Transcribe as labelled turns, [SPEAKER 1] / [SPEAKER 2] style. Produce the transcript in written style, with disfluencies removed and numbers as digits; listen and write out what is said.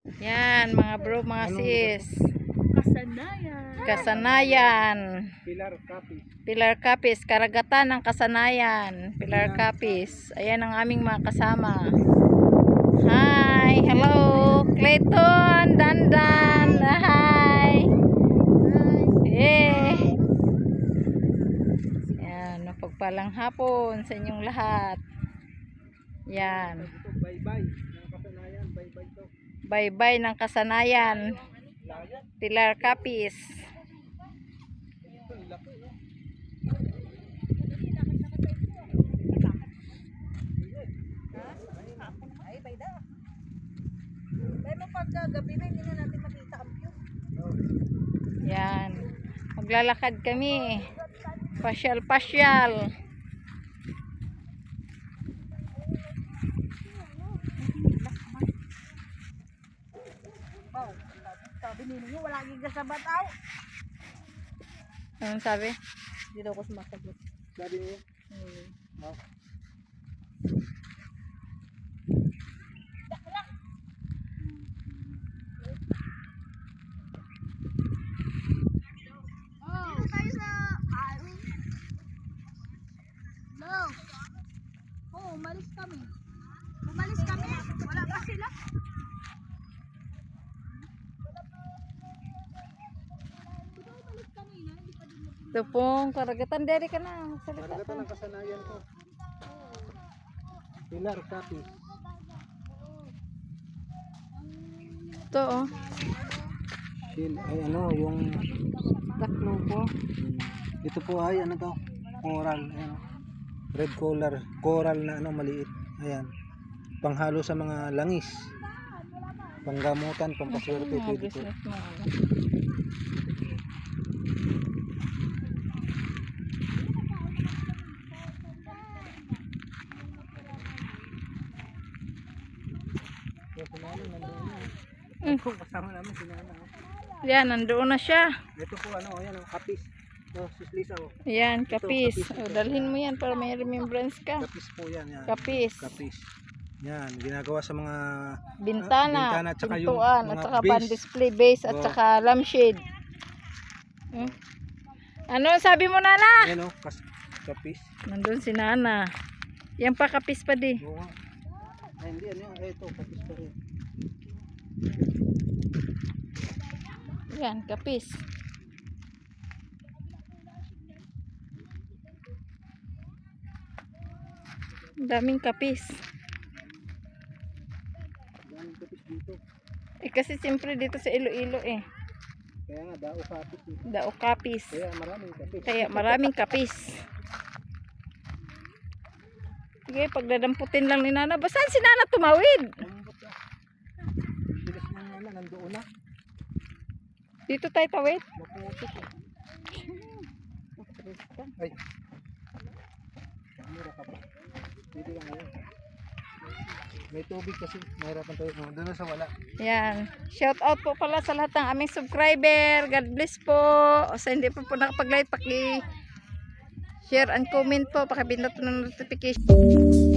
[SPEAKER 1] Yan, mga bro, mga sis.
[SPEAKER 2] Kasanayan.
[SPEAKER 1] Kasanayan.
[SPEAKER 3] Pilar Capiz.
[SPEAKER 1] Pilar Capiz, karagatan ng kasanayan. Pilar Capiz. Ayan ang aming mga kasama. Hi, hello. Clayton, Dandan. Hi. Eh. Yan, mapagpalang hapon sa inyong lahat. Yan.
[SPEAKER 3] Ito, bye-bye. Ng kasanayan, bye-bye to.
[SPEAKER 1] Bye-bye ng kasanayan. Pilar Capiz.
[SPEAKER 2] Ay, bayda. Dahil mo pag gabi na, hindi na natin makita ang view.
[SPEAKER 1] Yan. Maglalakad kami. Pasyal-pasyal.
[SPEAKER 2] Oh, sabi ninyo, wala kang kasabat aw.
[SPEAKER 1] Anong sabi?
[SPEAKER 2] Hindi daw ako sumasagot.
[SPEAKER 3] Sabi niyo? Oh.
[SPEAKER 2] Dito tayo sa amin. No. Oh, umalis kami. Umalis kami. Wala pa sila.
[SPEAKER 1] Ito pong karagatan. Dere ka na. Magsalita
[SPEAKER 3] Karagatan
[SPEAKER 1] ka.
[SPEAKER 3] ng kasanayan ko. Pilar Capiz.
[SPEAKER 1] Ito oh.
[SPEAKER 3] Ay ano, yung
[SPEAKER 1] Taklubo.
[SPEAKER 3] ito po ay ano to? Coral, ayan. Red coral na ano maliit. Ayan. Panghalo sa mga langis. Panggamutan, pampaswerte
[SPEAKER 1] Mga
[SPEAKER 3] pwede po.
[SPEAKER 1] business mo. ano.
[SPEAKER 3] So, si Nana nandoon na.
[SPEAKER 1] Mm.
[SPEAKER 3] Ako, kasama namin si Nana. Oh.
[SPEAKER 1] Yan, nandoon na siya.
[SPEAKER 3] Ito po ano, ayan oh, kapis. Oh, sis Lisa oh.
[SPEAKER 1] Yan, kapis.
[SPEAKER 3] kapis.
[SPEAKER 1] O, dalhin mo yan para may remembrance ka.
[SPEAKER 3] Kapis po yan, yan.
[SPEAKER 1] Kapis.
[SPEAKER 3] Kapis. Yan, ginagawa sa mga
[SPEAKER 1] Bintana,
[SPEAKER 3] bintana at saka yung
[SPEAKER 1] pintuan, at
[SPEAKER 3] mga
[SPEAKER 1] saka
[SPEAKER 3] base.
[SPEAKER 1] pan-display base, at
[SPEAKER 3] Oh.
[SPEAKER 1] saka lampshade. Hmm? Ano sabi mo, Nana?
[SPEAKER 3] ayan oh, kapis.
[SPEAKER 1] Nandun si Nana. Yan pa, kapis pa di.
[SPEAKER 3] Oo nga. Ay, hindi, ano yung, ito, kapis pa rin.
[SPEAKER 1] Yan, kapis. Ang daming kapis.
[SPEAKER 3] Daming kapis dito.
[SPEAKER 1] Eh kasi siyempre dito sa Iloilo eh.
[SPEAKER 3] Kaya nga, dao kapis eh.
[SPEAKER 1] Dao kapis.
[SPEAKER 3] Kaya maraming kapis.
[SPEAKER 1] Kaya maraming kapis. Sige, pagdadamputin lang ni Nana. Saan si Nana tumawid?
[SPEAKER 3] Lambot ah. Bilis na nga na, nandoon na.
[SPEAKER 1] Dito tayo tawid.
[SPEAKER 3] Maputik eh. Ay. Mura ka pa. Pwede lang ngayon. May tubig kasi. Mahirapan tayo. Oh, doon na sa wala.
[SPEAKER 1] Yan. Shout out po pala sa lahat ng aming subscriber. God bless po. O sa hindi po nakapag-like, paki-share and comment po. Pakipindot ng notification.